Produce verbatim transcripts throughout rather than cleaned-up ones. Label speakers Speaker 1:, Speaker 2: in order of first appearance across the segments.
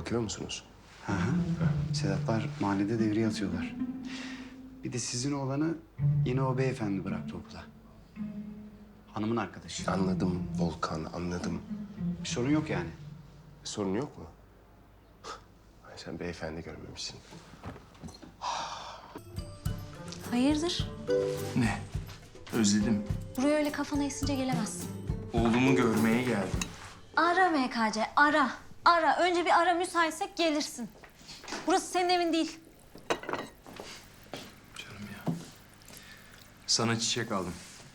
Speaker 1: bakıyor musunuz?
Speaker 2: Hı hı. Sedatlar mahallede devriye atıyorlar. Bir de sizin oğlanı yine o beyefendi bıraktı okula. Hanımın arkadaşı.
Speaker 1: Anladım Volkan, anladım.
Speaker 2: Bir sorun yok yani.
Speaker 1: Sorun yok mu? Ay, sen beyefendi görmemişsin.
Speaker 3: Hayırdır?
Speaker 4: Ne? Özledim.
Speaker 3: Buraya öyle kafana esince gelemezsin.
Speaker 4: Oğlumu görmeye geldim.
Speaker 3: Ara M K C, ara. Ara. Önce bir ara, müsaitsek gelirsin. Burası senin evin değil.
Speaker 4: Canım ya. Sana çiçek aldım.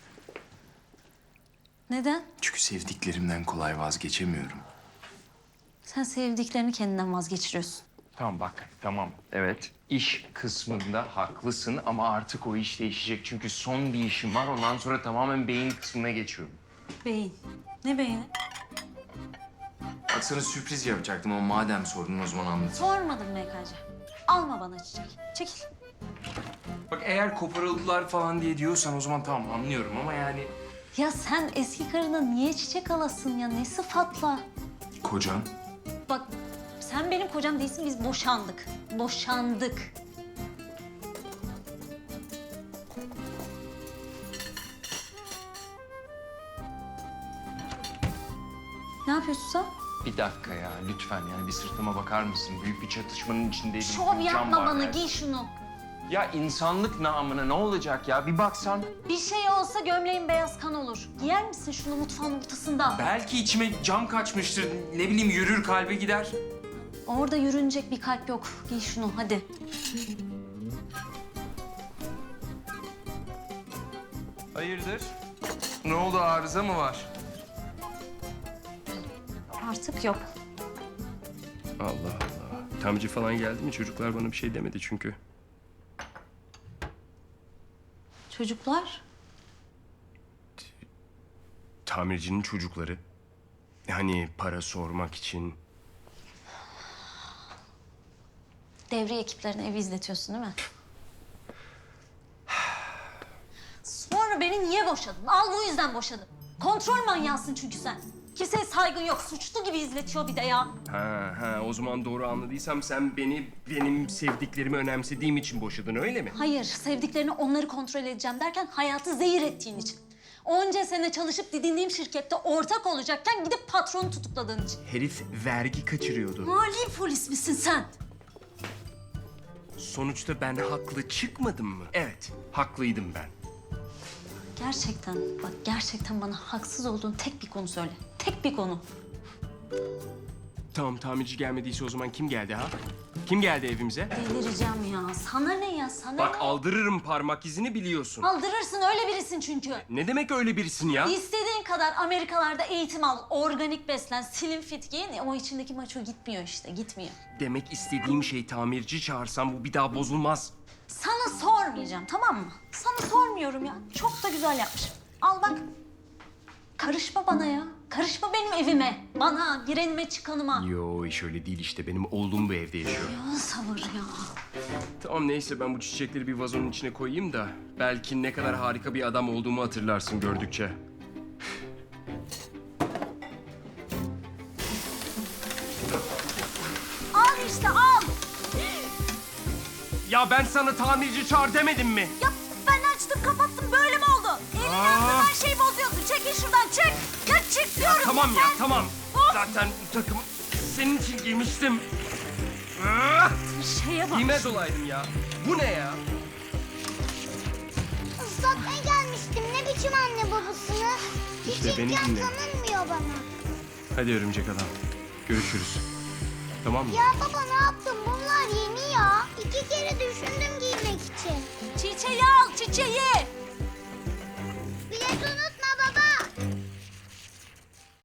Speaker 3: Neden?
Speaker 4: Çünkü sevdiklerimden kolay vazgeçemiyorum.
Speaker 3: Sen sevdiklerini kendinden vazgeçiriyorsun.
Speaker 4: Tamam bak, tamam. Evet, iş kısmında haklısın ama artık o iş değişecek. Çünkü son bir işim var, ondan sonra tamamen beyin kısmına geçiyorum.
Speaker 3: Beyin. Ne beyni?
Speaker 4: Bak sana sürpriz yapacaktım ama madem sordun o zaman anlat.
Speaker 3: Sormadım M K C. Alma bana çiçek. Çekil.
Speaker 4: Bak eğer koparıldılar falan diye diyorsan o zaman tamam anlıyorum ama yani...
Speaker 3: Ya sen eski karına niye çiçek alasın ya? Ne sıfatla?
Speaker 4: Kocan?
Speaker 3: Bak sen benim kocam değilsin, biz boşandık. Boşandık. Ne yapıyorsun sen?
Speaker 4: Bir dakika ya lütfen yani bir sırtıma bakar mısın? Büyük bir çatışmanın içindeydim.
Speaker 3: Şov
Speaker 4: Bir cam
Speaker 3: yapma
Speaker 4: var
Speaker 3: bana,
Speaker 4: yani.
Speaker 3: giy şunu.
Speaker 4: Ya insanlık namına ne olacak ya? Bir baksan.
Speaker 3: Bir şey olsa gömleğin beyaz kan olur. Giyer misin şunu mutfağın ortasında?
Speaker 4: Belki içime cam kaçmıştır. Ne bileyim yürür kalbe gider.
Speaker 3: Orada yürünecek bir kalp yok. Giy şunu hadi.
Speaker 4: Hayırdır? Ne oldu arıza mı var?
Speaker 3: Artık yok.
Speaker 1: Allah Allah. Tamirci falan geldi mi? Çocuklar bana bir şey demedi çünkü.
Speaker 3: Çocuklar?
Speaker 1: Tamircinin çocukları. Hani para sormak için.
Speaker 3: Devriye ekiplerine evi izletiyorsun değil mi? Sonra beni niye boşadın? Al bu yüzden boşadım. Kontrol manyağısın çünkü sen. Kimseye saygın yok. Suçlu gibi izletiyor bir de ya.
Speaker 1: Ha ha o zaman doğru anladıysam sen beni benim sevdiklerimi önemsediğim için boşadın öyle mi?
Speaker 3: Hayır, sevdiklerini onları kontrol edeceğim derken hayatı zehir ettiğin için. Onca sene çalışıp didindiğim şirkette ortak olacakken gidip patronu tutukladığın için.
Speaker 1: Herif vergi kaçırıyordu.
Speaker 3: Mali polis misin sen?
Speaker 1: Sonuçta ben haklı çıkmadım mı? Evet, haklıydım ben.
Speaker 3: Gerçekten, bak gerçekten bana haksız olduğun tek bir konu söyle. Tek bir konu.
Speaker 1: Tamam tamirci gelmediyse o zaman kim geldi ha? Kim geldi evimize?
Speaker 3: Delireceğim ya. Sana ne ya, sana
Speaker 1: Bak
Speaker 3: ne?
Speaker 1: aldırırım parmak izini biliyorsun.
Speaker 3: Aldırırsın, öyle birisin çünkü.
Speaker 1: Ne demek öyle birisin ya?
Speaker 3: İstediğin kadar Amerikalarda eğitim al, organik beslen, slim fit giyin. O içindeki maço gitmiyor işte, gitmiyor.
Speaker 1: Demek istediğim şey tamirci çağırsam bu bir daha bozulmaz.
Speaker 3: Sana sormayacağım, tamam mı? Sana sormuyorum ya. Çok da güzel yapmışım. Al bak. Karışma bana ya. Karışma benim evime. Bana, girenime, çıkanıma.
Speaker 1: Yo iş öyle değil işte benim oğlum bu evde yaşıyor.
Speaker 3: Ya sabır ya.
Speaker 1: Tamam neyse ben bu çiçekleri bir vazonun içine koyayım da belki ne kadar harika bir adam olduğumu hatırlarsın gördükçe.
Speaker 3: Al işte al.
Speaker 1: Ya ben sana tamirci çağır demedim mi?
Speaker 3: Ya ben açtım kapattım, böyle mi oldu? Elini
Speaker 1: Aa.
Speaker 3: yaptığın her şeyi bozuyorsun. Çekil şuradan, çık. Ya çık diyorum.
Speaker 1: Tamam ya
Speaker 3: sen.
Speaker 1: tamam.
Speaker 3: Of.
Speaker 1: Zaten bu takımı senin için giymiştim. Ah!
Speaker 3: Şeye bak.
Speaker 1: Giymez olaydım ya. Bu ne ya?
Speaker 5: Islatmaya gelmiştim. Ne biçim anne babasını? Hiç
Speaker 1: İşte beni
Speaker 5: imkan
Speaker 1: dinle.
Speaker 5: tanınmıyor bana.
Speaker 1: Hadi örümcek adam. Görüşürüz. Tamam mı?
Speaker 5: Ya baba ne yaptı